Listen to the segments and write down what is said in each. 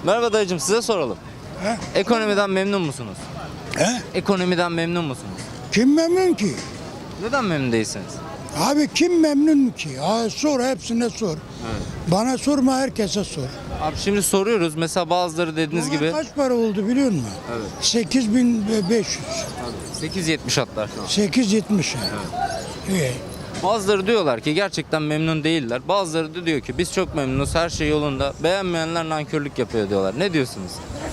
Merhaba dayıcım, size soralım. Ekonomiden memnun musunuz? He? Ekonomiden memnun musunuz? Kim memnun ki? Neden memnun değilsiniz? Abi kim memnun ki? Sor, hepsine sor. Bana sorma, herkese sor. Abi şimdi soruyoruz. Mesela bazıları dediğiniz gibi Kaç para oldu biliyor musun? Evet. 8500. 8.70 hatta şu an. 870. İyi. Bazıları diyorlar ki gerçekten memnun değiller. Bazıları da diyor ki biz çok memnunuz, her şey yolunda. Beğenmeyenler nankörlük yapıyor diyorlar. Ne diyorsunuz?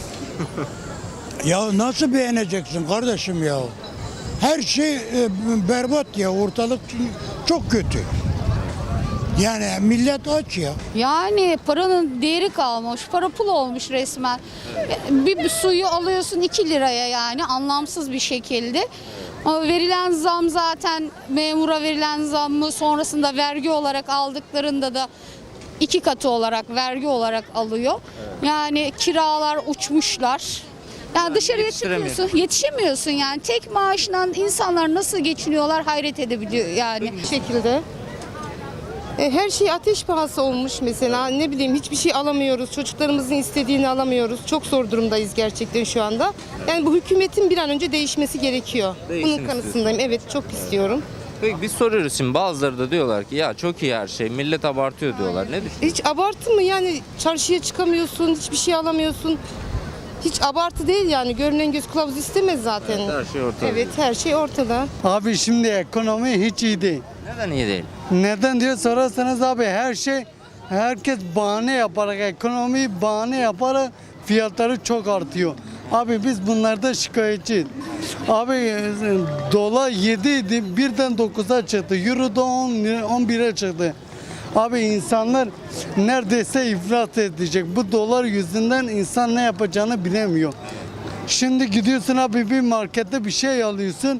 Ya nasıl beğeneceksin kardeşim ya? Her şey berbat ya, ortalık çok kötü. Yani millet aç ya. Yani paranın değeri kalmış, para pul olmuş resmen. Bir suyu alıyorsun 2 liraya, yani anlamsız bir şekilde. Ama verilen zam, zaten memura verilen zammı sonrasında vergi olarak aldıklarında da 2 katı olarak vergi olarak alıyor. Yani kiralar uçmuşlar. Yani dışarıya çıkıyorsun, yetişemiyorsun yani. Tek maaşla insanlar nasıl geçiniyorlar hayret edebiliyor yani. Bir şekilde. Her şey ateş pahası olmuş mesela, ne bileyim, hiçbir şey alamıyoruz, çocuklarımızın istediğini alamıyoruz, çok zor durumdayız gerçekten şu anda. Yani bu hükümetin bir an önce değişmesi gerekiyor. Değişsin Bunun kanısındayım, evet, çok istiyorum. Peki biz soruyoruz şimdi, bazıları da diyorlar ki ya çok iyi her şey, millet abartıyor diyorlar. Ne düşünüyorsun? Hiç abartı mı yani? Çarşıya çıkamıyorsun, hiçbir şey alamıyorsun. Hiç abartı değil yani, görünen göz kılavuz istemez zaten. Evet, her şey ortada. Evet, her şey ortada. Abi şimdi ekonomi hiç iyi değil. Neden iyi değil? Neden diye sorarsanız abi herkes bahane yaparak, ekonomiyi bahane yaparak fiyatları çok artıyor. Abi biz bunlarda şikayetçiyiz. Abi dolar 7 idi, birden 9'a çıktı. Euro da 11'e çıktı. Abi insanlar neredeyse iflas edecek. Bu dolar yüzünden insan ne yapacağını bilemiyor. Şimdi gidiyorsun abi bir markette bir şey alıyorsun.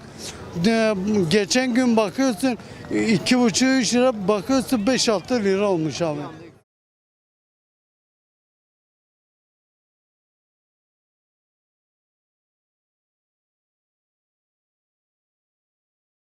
Geçen gün bakıyorsun 2,5-3 lira, bakıyorsun 5-6 lira olmuş abi.